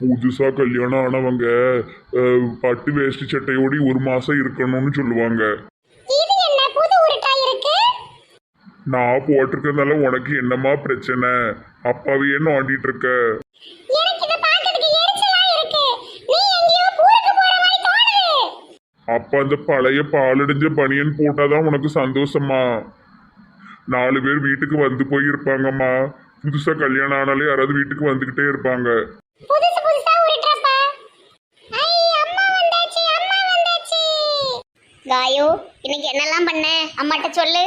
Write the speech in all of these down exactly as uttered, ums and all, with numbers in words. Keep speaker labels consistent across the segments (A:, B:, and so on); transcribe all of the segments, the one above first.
A: புதுசா கல்யாணம் ஆனவங்க அஹ், பட்டு வேஷ்டி சட்டையோடி ஒரு மாசம் இருக்கணும்னு சொல்லுவாங்க.
B: இது என்ன புது உருட்டா இருக்கு?
A: நான் போட்டிருக்கறதால உனக்கு என்னமா பிரச்சனை? அப்பாவையே நோண்டிட்டு இருக்க.
B: எனக்கு இத பார்க்கிறதுக்கு எரிச்சலா இருக்கு. நீ எங்கேயோ ஊருக்கு போற மாதிரி தோணுது.
A: அப்ப அந்த பழைய பாலடைஞ்ச பனியன் போட்டாதான் உனக்கு சந்தோஷமா? நாலு பேர் வீட்டுக்கு வந்து போய் இருப்பாங்கம்மா. புதுசா கல்யாணம் ஆனாலே யாராவது வீட்டுக்கு வந்துகிட்டே இருப்பாங்க.
B: புதுசு புதுசா உருட்டுறப்பா. ஐ அம்மா வந்தாச்சு, அம்மா வந்தாச்சு. காயு, இன்னைக்கு என்னெல்லாம் பண்ண? அம்மாட்ட சொல்லு.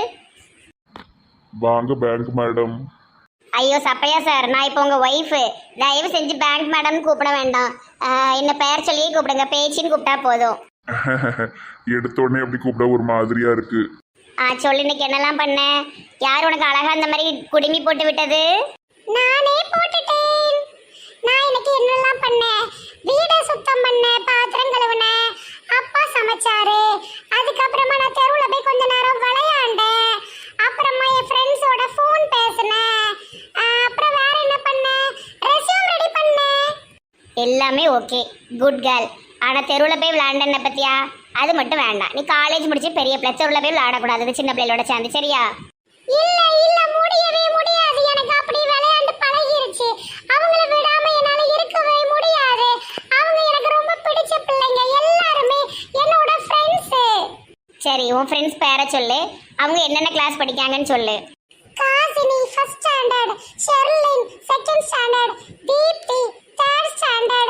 A: வாங்க பேங்க் மேடம்.
B: ஐயோ சப்பையா சார், நான் இப்போ உங்க ஒய்ஃபு. தயவு செஞ்சு பேங்க் மேடம் கூப்பிட வேண்டாம். ஆஹ், என்ன பெயர் சொல்லியே கூப்பிடுங்க, பேச்சின்னு கூப்பிட்டா போதும்.
A: எடுத்த உடனே அப்படி கூப்பிட ஒரு மாதிரியா இருக்கு.
B: ஆ சொல்லு, இன்னைக்கு என்னெல்லாம் பண்ண? யார் உனக்கு அழகா அந்த மாதிரி குடுமி போட்டு விட்டது? நானே போட்டுட்டேன். நான் இன்னைக்கு என்னெல்லாம் பண்ணேன்? வீடை சுத்தம் பண்ணேன், பாத்திரம் கழுவுனேன், அப்பா சமைச்சாரு. அதுக்கப்புறமா நான் தெருவில் போய் கொஞ்ச நேரம் விளையாண்டேன். அப்புறமா என் ஃப்ரெண்ட்ஸோட ஃபோன் பேசினேன். அப்புறம் வேற என்ன பண்ணேன்? ரெஸ்யூம் ரெடி பண்ணேன். எல்லாமே ஓகே, குட் கேர்ள். ஆனால் தெருவில் போய் விளையாண்டன பத்தியா? அது மட்டும் வேண்டாம். நீ காலேஜ் முடிச்சு பெரிய பிள்ளை, தெருவில் போய் விளையாடக்கூடாது சின்ன பிள்ளைகளோட சேர்ந்து, சரியா? இல்ல இல்ல, முடியவே முடியாது. எனக்கு அப்படி விளையாண்டு பழகிருச்சு. அவங்கள விடாம என்னால இருக்கவே முடியாது. அவங்க எனக்கு ரொம்ப பிடிச்ச பிள்ளைங்க. எல்லாருமே என்னோட ஃப்ரெண்ட்ஸ். சரி, உன் ஃப்ரெண்ட்ஸ் பேரை சொல்லு. அவங்க என்னென்ன கிளாஸ் படிக்காங்கன்னு சொல்லு. Kasini first standard, Sherlin second standard, Deepti third standard,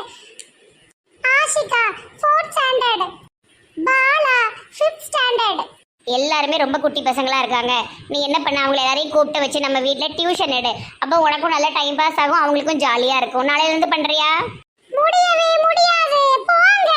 B: Ashika fourth standard, Bala fifth standard. எல்லாருமே ரொம்ப குட்டி பசங்களா இருக்காங்க. நீ என்ன பண்ண, அவங்கள எல்லாரையும் கூப்பிட்டு வச்சு நம்ம வீட்டில் டியூஷன் எடு. அப்போ உனக்கும் நல்ல டைம் பாஸ் ஆகும், அவங்களுக்கும் ஜாலியா இருக்கும். நாளையில இருந்து பண்றியா? முடியவே முடியாது, போங்க.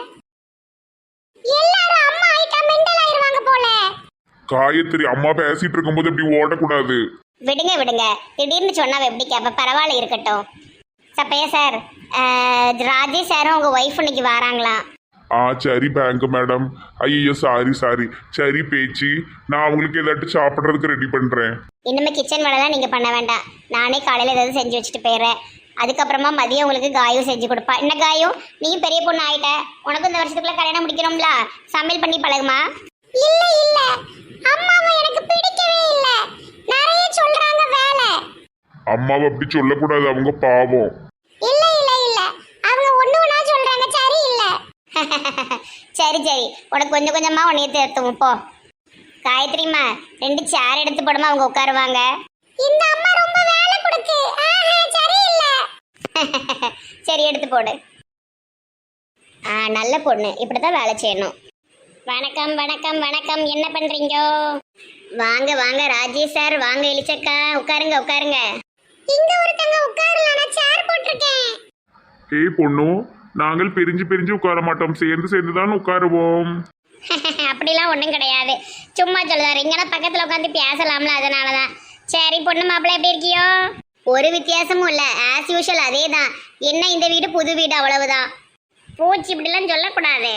B: எல்லாரும் அம்மா ஆயிட்டா மெண்டல் ஆயிருவாங்க போல.
A: காயத்ரி, அம்மா பேசிட்டு இருக்கும்போது இப்படி ஓடக்கூடாது.
B: விடுங்க விடுங்க, திடீர்னு சொன்னா எப்படி கேப்ப? பரவாயில்ல, இருக்கட்டும். சப்பையா சார், ராஜேஷ் சாரும் உங்க ஒய்ஃப் இன்னைக்கு வராங்களாம்.
A: ஆ சரி பேங்க் மேடம். ஐயோ சாரி சாரி. சரி பேச்சு, நான் அவங்களுக்கு ஏதாட்டும் சாப்பிட்றதுக்கு ரெடி பண்றேன்.
B: இனிமே கிச்சன் வேலைலாம் நீங்க பண்ண வேண்டாம். நானே காலையில ஏதாவது செஞ்சு வச்சுட்டு போயிடுறேன். அதுக்கப்புறமா மதியம் உங்களுக்கு காயும் செஞ்சு கொடுப்பா. என்ன காயும், நீயும் பெரிய பொண்ணு ஆயிட்ட, உனக்கும் இந்த வருஷத்துக்குள்ள கல்யாணம் முடிக்கணும்ல, சமையல் பண்ணி பழகுமா. இல்ல இல்ல, அம்மாவை எனக்கு பிடிக்கவே இல்ல, நிறைய சொல்றாங்க வேலை.
A: அம்மாவை அப்படி சொல்லக்கூடாது, அவங்க பாவம்.
B: இல்ல இல்ல இல்ல, அவங்க ஒண்ணு ஒண்ணா சொல்றாங்க, சரி இல்ல. சரி சரி, உனக்கு கொஞ்சம் கொஞ்சமா உன்னைய தேர்த்துவோம் போ. காயத்ரிமா, ரெண்டு சேர் எடுத்து போடுமா, அவங்க உட்காருவாங்க. இந்த அம்மா ரொம்ப வேலை கொடுக்கு. சரி இல்ல. சரி, எடுத்து போடு. ஆ நல்ல பொண்ணு, இப்படிதான் வேலை செய்யணும். வணக்கம் வணக்கம் வணக்கம், என்ன பண்றீங்க? வாங்க வாங்க ராஜேஷ் சார், வாங்க எலிச்சக்கா, உட்காருங்க உட்காருங்க. இங்க ஒருத்தங்க உட்காரலாம், நான் சேர் போட்டிருக்கேன்.
A: ஏய் பொண்ணு, நாங்கள் பிரிஞ்சு பிரிஞ்சு உட்கார மாட்டோம், சேர்ந்து சேர்ந்து தான் உட்காருவோம்.
B: அப்படிலாம் ஒன்றும் கிடையாது, சும்மா சொல்லுதாரு. இங்கன்னா பக்கத்தில் உட்காந்து பேசலாம்ல, அதனால தான். சரி பொண்ணு மாப்பிள்ளை, எப்படி இருக்கியோ? ஒரு வித்தியாசமும் இல்லை, ஆஸ் யூஷுவல் அதே தான். என்ன இந்த வீடு புது வீடு, அவ்வளவுதான். பூச்சி இப்படிலாம் சொல்லக்கூடாது.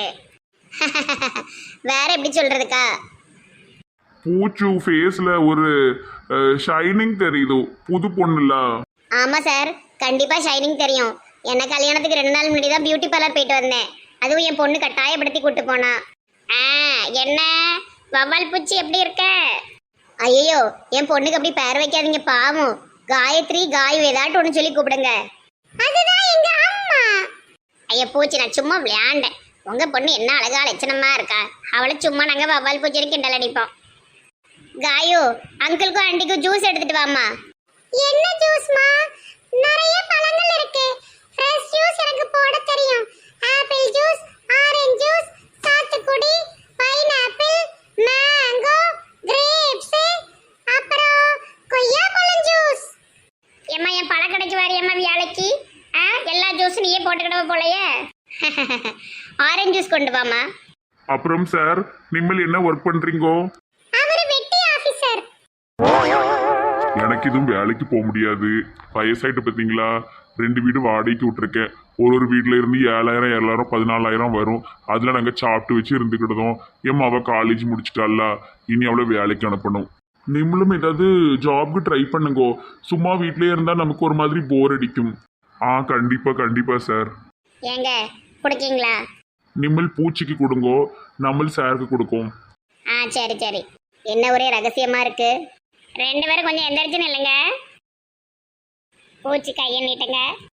B: வேற எப்படி சொல்றதுக்கா?
A: பூச்சு ஃபேஸ்ல ஒரு ஷைனிங் தெரியுது, புது பொண்ணுல.
B: ஆமாம் சார், கண்டிப்பாக ஷைனிங் தெரியும். என்ன கல்யாணத்துக்கு ரெண்டு நாள் முன்னாடி தான் பியூட்டி பார்லர் போயிட்டு வந்தேன். அதுவும் என் பொண்ணு கட்டாயப்படுத்தி கூட்டு போனா. ஆ என்ன வவ்வால் பூச்சி, எப்படி இருக்க? ஐயோ, என் பொண்ணுக்கு அப்படி பேர் வைக்காதீங்க, பாவம். காயத்ரி காயு ஏதாட்டும் ஒன்று சொல்லி கூப்பிடுங்க. அதுதான் எங்க அம்மா. ஐயா பூச்சி, நான் சும்மா விளையாண்டேன். உங்க பொண்ணு என்ன அழகா லட்சணமா இருக்கா, அவளை சும்மா நாங்கள் வவ்வால் பூச்சி கிண்டல் அடிப்போம். காயு, அங்கிளுக்கும் ஆண்டிக்கும் ஜூஸ் எடுத்துட்டு வாமா. என்ன ஜூஸ்மா? நிறைய பழங்கள் இருக்கு. ஃப்ரெஷ் ஜூஸ் எனக்கு போட தெரியும். ஆப்பிள் ஜூஸ், ஆரஞ்சு ஜூஸ், சாத்துக்குடி, பைனாப்பிள், மேங்கோ, கிரேப்ஸ், அப்புறம் கொய்யாப்பழம் ஜூஸ். ஏம்மா, என் பழக்கடைக்கு வரையம்மா வியாழைக்கு? ஆ எல்லா ஜூஸும் நீயே போட்டுக்கிடவ போலையே. ஆரஞ்சு ஜூஸ் கொண்டு வாமா.
A: அப்புறம் சார், நீங்கள் என்ன ஒர்க் பண்றீங்கோ?
B: அவர் வெட்டி ஆபீசர்.
A: எனக்கு இதுவும் வேலைக்கு போக முடியாது, வயசாயிட்டு பார்த்தீங்களா. ரெண்டு வீடு வாடகைக்கு விட்டுருக்கேன். ஒரு ஒரு வீட்டில் இருந்து ஏழாயிரம் ஏழாயிரம் பதினாலாயிரம் வரும். அதில் நாங்கள் சாப்பிட்டு வச்சு இருந்துக்கிட்டதும். என் அவள் காலேஜ் முடிச்சிட்டால, இனி அவளை வேலைக்கு அனுப்பணும். நீங்களும் ஏதாவது ஜாப்க்கு ட்ரை பண்ணுங்கோ. சும்மா வீட்டிலே இருந்தால் நமக்கு ஒரு மாதிரி போர் அடிக்கும். ஆ கண்டிப்பா கண்டிப்பா சார்.
B: ஏங்க குடிக்கீங்களா?
A: நிம்மல் பூச்சிக்கு கொடுங்கோ, நம்மள் சாருக்கு கொடுக்கும்.
B: ஆ சரி சரி. என்ன ஒரே ரகசியமா இருக்கு. ரெண்டு பேரும் கொஞ்சம் எந்திரிச்சு நில்லுங்க. பூச்சி கையை நீட்டுங்க.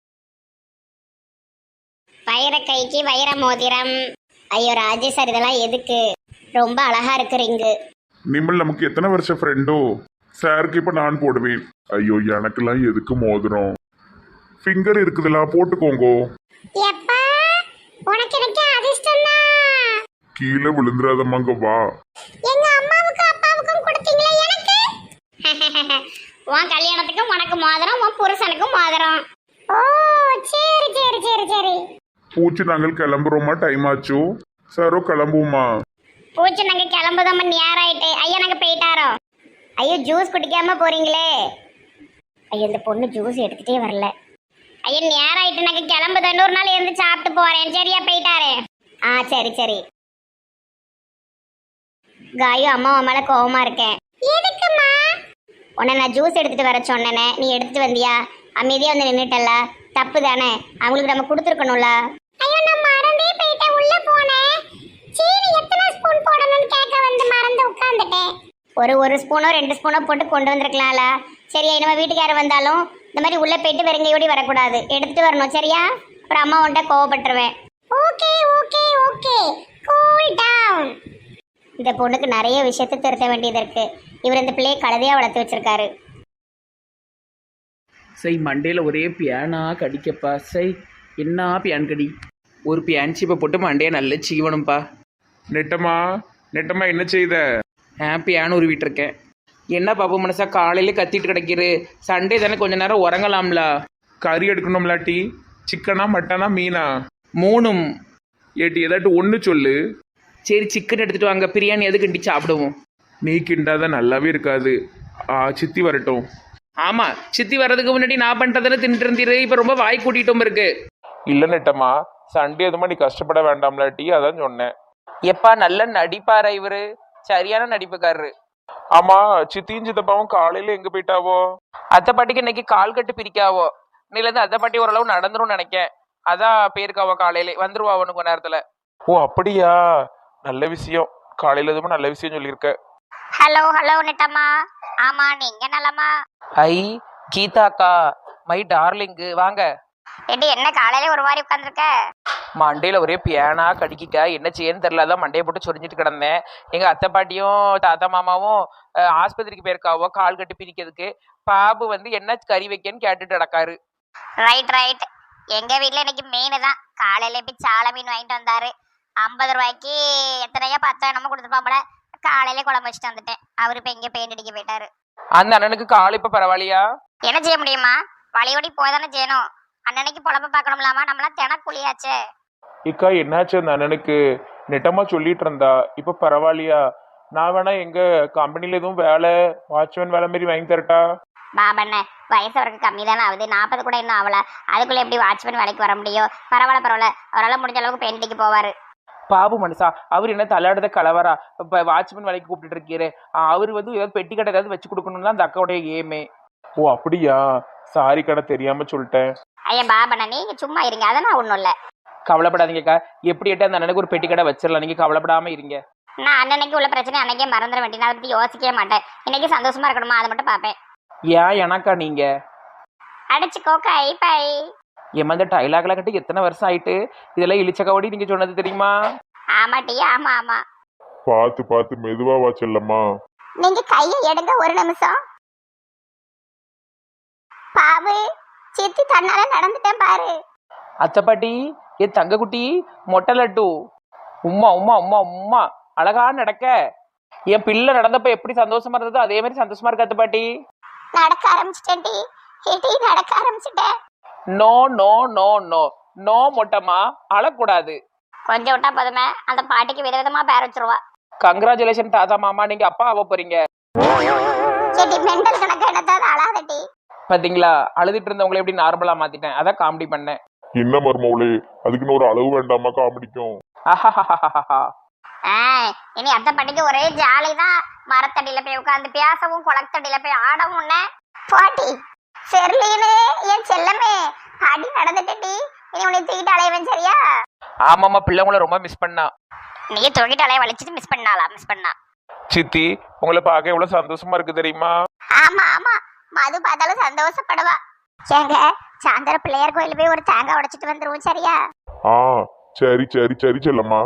B: வைர கைக்கு வைர மோதிரம். ஐயோ ராஜேஷ் சார் இதெல்லாம் எதுக்கு? ரொம்ப அழகா இருக்கு ரிங்கு.
A: நிம்மல் நமக்கு எத்தனை வருஷம் ஃப்ரெண்டோ? சாருக்கு இப்ப நான் போடுவேன். ஐயோ எனக்கெல்லாம் எதுக்கு மோதிரம்? ஃபிங்கர் இருக்குதுல போட்டுக்கோங்கோ.
B: எப்பா உனக்கு எனக்கு அதிர்ஷ்டம் தான்.
A: கீழே விழுந்துடாதம்மாங்க வா.
B: எங்க அம்மாவுக்கு அப்பாவுக்கும் கொடுத்தீங்களே எனக்கு. உன் கல்யாணத்துக்கும் உனக்கு மோதிரம், உன் புருஷனுக்கும் மோதிரம். ஓ சரி சரி சரி சரி.
A: பூச்சி நாங்கள் கிளம்புறோமா? டைம் ஆச்சோ? சாரோ கிளம்புவோமா?
B: பூச்சி நாங்க கிளம்புதோம் நேரம் ஆயிட்டு. ஐயா நாங்க போயிட்டாரோ. ஐயோ ஜூஸ் குடிக்காம போறீங்களே. ஐயோ இந்த பொண்ணு ஜூஸ் எடுத்துட்டே வரல. ஐயோ நேரம் ஆயிட்டு நாங்க கிளம்புதோம். இன்னொரு நாள் இருந்து சாப்பிட்டு போறேன். சரியா போயிட்டாரு. ஆ சரி சரி. காயு அம்மா மேல கோவமா இருக்கேன். எதுக்குமா? உன்னை நான் ஜூஸ் எடுத்துட்டு வர சொன்னேனே, நீ எடுத்துட்டு வந்தியா? அமைதியா வந்து நின்னுட்டல்ல, தப்பு தானே? அவங்களுக்கு நம்ம கொடுத்துருக்கணும்ல. ஐயோ நான் மறந்தே போயிட்டேன். உள்ள போனேன். சீனி எத்தனை ஸ்பூன் போடணும்னு கேட்க வந்து மறந்து உட்கார்ந்துட்டேன். ஒரு ஒரு ஸ்பூனோ ரெண்டு ஸ்பூனோ போட்டு கொண்டு வந்திருக்கலாம்ல. சரியா? நம்ம வீட்டுக்காரர் வந்தாலும் இந்த மாதிரி உள்ள போயிட்டு வெறுங்கையோடி வரக்கூடாது, எடுத்துட்டு வரணும். சரியா? அப்புறம் அம்மா உன்ட்ட கோவப்பட்டுருவேன். Okay okay okay cool down. இந்த பொண்ணுக்கு நிறைய விஷயத்தை திருத்த வேண்டியது இருக்கு. இவர் இந்த பிள்ளையை கழுதையா வளர்த்து வச்சிருக்காரு.
C: சை மண்டையில் ஒரே பியானா கடிக்கப்பா. சை என்ன பியான் கடி. ஒரு பியான் சீப்பை போட்டு மண்டையை நல்லா சீவணும்ப்பா.
A: நெட்டமா நெட்டமா என்ன செய்த?
C: ஆ பியான் உருவிட்டுருக்கேன். என்ன பாப்பு மனசா காலையில கத்திட்டு கிடக்கிறு? சண்டே தானே கொஞ்ச நேரம் உறங்கலாம்ல.
A: கறி எடுக்கணும்லாட்டி? சிக்கனா மட்டனா மீனா?
C: மூணும்.
A: ஏட்டி ஏதாட்டு ஒன்று சொல்லு.
C: சரி சிக்கன் எடுத்துகிட்டு வாங்க, பிரியாணி எது கிண்டி சாப்பிடுவோம்.
A: நீ கிண்டாதான் நல்லாவே இருக்காது. ஆ சித்தி வரட்டும்.
C: ஆமாம் சித்தி வர்றதுக்கு முன்னாடி நான் பண்ணுறதுன்னு தின்ட்டு இருந்தீரு. இப்போ ரொம்ப வாய் கூட்டிகிட்டும் இருக்கு.
A: இல்லை நெட்டமா, சண்டே எதுமா நீ கஷ்டப்பட வேண்டாம்லாட்டி, அதான் சொன்னேன்.
C: எப்பா நல்ல நடிப்பாரா இவரு? சரியான நடிப்புக்காரரு.
A: ஆமா, சித்தியும் சித்தப்பாவும் காலையில எங்க போயிட்டாவோ?
C: அத்தை பாட்டிக்கு இன்னைக்கு கால் கட்டு பிரிக்காவோ. இன்னிலேருந்து அத்தை பாட்டி ஓரளவு நடந்துரும் நினைக்கேன். அதான் போயிருக்காவோ, காலையில வந்துருவா அவனுக்கு கொஞ்ச நேரத்துல.
A: ஓ அப்படியா? நல்ல விஷயம். காலையில எதுவும் நல்ல விஷயம் சொல்லியிருக்க.
B: ஹலோ ஹலோ நெட்டம்மா. ஆமா நீங்க நலமா?
C: ஐ கீதாக்கா மை டார்லிங்கு வாங்க.
B: ஏடி என்ன காலையில ஒரு மாதிரி உட்காந்துருக்க?
C: மண்டையில் ஒரே பியானா கடிக்கிக்கா. என்ன செய்யன்னு தெரியல, அதான் மண்டையை போட்டு சொரிஞ்சிட்டு கிடந்தேன். எங்கள் அத்தை பாட்டியும் தாத்தா மாமாவும் ஆஸ்பத்திரிக்கு போயிருக்காவோ கால் கட்டு பிரிக்கிறதுக்கு. பாபு வந்து என்ன கறி வைக்கன்னு கேட்டுட்டு நடக்காரு.
B: Right right. எங்க வீட்டுல இன்னைக்கு மீன் தான். காலையில போய் சாலை மீன் வாங்கிட்டு வந்தாரு. ஐம்பது ரூபாய்க்கு எத்தனையோ பத்தோ என்னமோ கொடுத்துருப்பாப்புல. காலையில குழம்பு வச்சுட்டு வந்துட்டேன். அவரு இப்ப எங்க பெயிண்ட் அடிக்க போயிட்டாரு.
C: அந்த அண்ணனுக்கு கால் இப்ப பரவாயில்லையா?
B: என்ன செய்ய முடியுமா? வழியோடி போய் தானே செய்யணும். அண்ணனைக்கு பொழப்ப பார்க்கணும்லாமா? நம்மளாம் தினக்கூலியாச்சே.
A: இக்கா என்னாச்சு அந்த அண்ணனுக்கு? நெட்டமா சொல்லிட்டு இருந்தா. இப்ப பரவாயில்லையா? நான் வேணா எங்க கம்பெனில எதுவும் வேலை வாட்ச்மேன் வேலை மாரி வாங்கி தரட்டா?
B: பாபண்ண வயசு அவருக்கு கம்மி தானே ஆகுது. நாற்பது கூட இன்னும் ஆகல. அதுக்குள்ள எப்படி வாட்ச்மேன் வேலைக்கு வர முடியும்? பரவாயில்ல பரவாயில்ல. அவரால் முடிஞ்ச அளவுக்கு பெயிண்ட் அடிக்க போவாரு.
C: பாபு மனுஷா அவர் என்ன தள்ளாடுத கலவரா? இப்போ வாட்ச்மேன் வேலைக்கு கூப்பிட்டு இருக்கீரு. அவர் வந்து ஏதாவது பெட்டி கடை ஏதாவது வச்சு கொடுக்கணும்னு தான் அந்த அக்காவுடைய ஏமே.
A: ஓ அப்படியா? சாரி கடை தெரியாம சொல்லிட்டேன்.
B: ஐயா பாபண்ண நீங்க சும்மா இருங்க. அதெல்லாம் ஒன்றும் இல்லை.
C: கவலைப்படாதீங்கக்கா. எப்படி எட்ட அந்த அண்ணனுக்கு ஒரு பெட்டி கடை வச்சிடலாம். நீங்க கவலைப்படாம இருங்க.
B: நான் அண்ணனைக்கு உள்ள பிரச்சனை அன்னைக்கே மறந்துட வேண்டிய. நான் அதை பற்றி யோசிக்கவே மாட்டேன். இன்னைக்கு சந்தோஷமா இருக்கணுமா அதை மட்டும் பார்ப்பேன்.
C: ஏன் எனக்கா நீங்க
B: அடிச்சுக்கோ கை பை.
C: ஏமா இந்த டைலாக்லாம் கட்டி எத்தனை வருஷம் ஆயிட்டு? இதெல்லாம் இழிச்சக்கவடி நீங்க சொன்னது தெரியுமா?
B: ஆமாட்டி ஆமா ஆமா.
A: பார்த்து பார்த்து மெதுவா வா செல்லம்மா.
B: நீங்க கையை எடுங்க ஒரு நிமிஷம். பாபு சித்தி தன்னால நடந்துட்டேன் பாரு.
C: அத்தை பாட்டி ஏ தங்க குட்டி மொட்டை லட்டு உம்மா உம்மா உம்மா உம்மா அழகா நடக்க. என் பிள்ளை நடந்தப்ப எப்படி சந்தோஷமா இருந்ததோ அதே மாதிரி சந்தோஷமா இருக்கு அத்தை பாட்டி.
B: நடக்க ஆரம்பிச்சிட்டேன்டி. ஏடி நடக்க ஆரம்பிச்சிட்டேன்.
C: No no no no no மொட்டமா அழக்கூடாது.
B: கொஞ்சம் விட்டா போதுமே அந்த பாட்டிக்கு விதவிதமா பேர் வச்சிருவா.
C: கங்க்ராச்சுலேஷன் தாத்தா மாமா, நீங்க அப்பா ஆக போறீங்க.
B: ஏடி மெண்டல் கணக்கு என்னத்தாவது அழாதடி.
C: பாத்தீங்களா அழுதுட்டு இருந்தவங்களை எப்படி நார்மலா மாத்திட்டேன். அதான் காமெடி பண்ணேன்.
A: என்ன மருமவளே, அதுக்குன்னு ஒரு அளவு வேண்டாமா காமெடிக்கும்?
B: இனி அத்தை பாட்டிக்கு ஒரே ஜாலி தான். மரத்தடியில போய் உட்காந்து பேசவும் குளத்தடியில போய் ஆடவும். பாட்டி செர்லீனு என் செல்லமே பாட்டி நடந்துட்டடி. இனி உன்னை தூக்கிட்டு அலையவன் சரியா?
C: ஆமாம்மா, பிள்ளைங்களை ரொம்ப மிஸ் பண்ணா.
B: நீ தூக்கிட்டு அலைய வலிச்சிட்டு மிஸ் பண்ணாளா? மிஸ் பண்ணா.
C: சித்தி, உங்களை பார்க்க எவ்வளவு சந்தோஷமா இருக்கு தெரியுமா?
B: ஆமா ஆமா, மது பார்த்தாலும் சந்தோஷப்படுவா. ஏங்க சாயந்தரம் பிள்ளையார் கோயில் போய் ஒரு தேங்காய் உடைச்சிட்டு வந்துருவோம் சரியா?
A: ஆ சரி சரி சரி செல்லம்மா.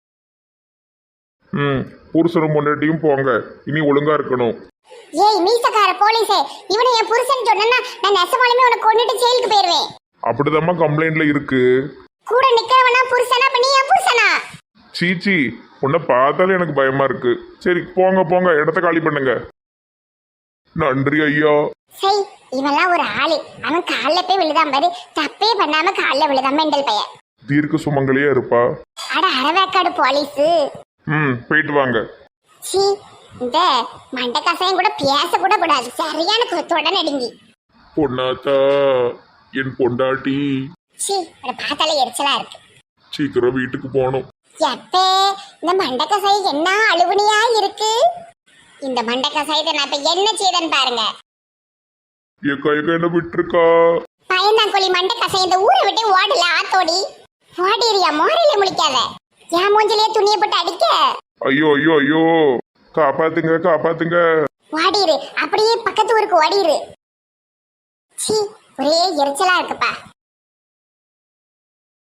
A: ம் புருஷனும் முன்னாடியும் போங்க, இனி ஒழுங்கா இருக்கணும்.
B: ஏய் மீசக்கார போலீஸே, இவனை என் புருஷன் சொன்னா நான் நெசமாலுமே உனக்கு கொண்டுட்டு ஜெயிலுக்கு போயிருவேன்.
A: அப்படிதாம்மா கம்ப்ளைண்ட்ல இருக்கு.
B: கூட நிக்கிறவனா புருஷனா? அப்ப நீ என் புருஷனா?
A: சீச்சி, உன்னை பார்த்தாலே எனக்கு பயமா இருக்கு. சரி போங்க போங்க, இடத்த காலி பண்ணுங்க. நன்றி ஐயா.
B: சரி இவெல்லாம் ஒரு ஆளு. அவன் காலில் போய் விழுதான் பாரு, தப்பே பண்ணாம காலில் விழுதான் மெண்டல் பையன்.
A: தீர்க்க சுமங்கலியா இருப்பா.
B: அட அரவேக்காடு போலீஸு.
A: ம் போயிட்டு வாங்க.
B: சி இந்த மண்டை கசாயம் கூட பேச கூட கூடாது, சரியான குத்தோட நடுங்கி.
A: பொன்னாத்தா என் பொண்டாட்டி.
B: சி அதை பார்த்தாலே எரிச்சலா இருக்கு.
A: சீக்கிரம் வீட்டுக்கு போகணும்.
B: எப்பே இந்த மண்டை கசாயம் என்ன அழுகுனியா இருக்கு. இந்த மண்டை கசாயத்தை நான் இப்ப என்ன செய்தேன்னு பாருங்க.
A: ஏக்கா ஏக்கா என்ன விட்டுருக்கா.
B: பயந்தாங்கோழி மண்டை கசாயம் இந்த ஊரை விட்டு ஓடல ஆத்தோடி. ஓடிரியா மோரையில முழிக்காத. என் மூஞ்சிலேயே துணியை போட்டு அடிக்க.
A: ஐயோ ஐயோ ஐயோ, காப்பாத்துங்க காப்பாத்துங்க.
B: ஓடிரு, அப்படியே பக்கத்து ஊருக்கு ஓடிரு. சி ஒரே எரிச்சலா இருக்குப்பா.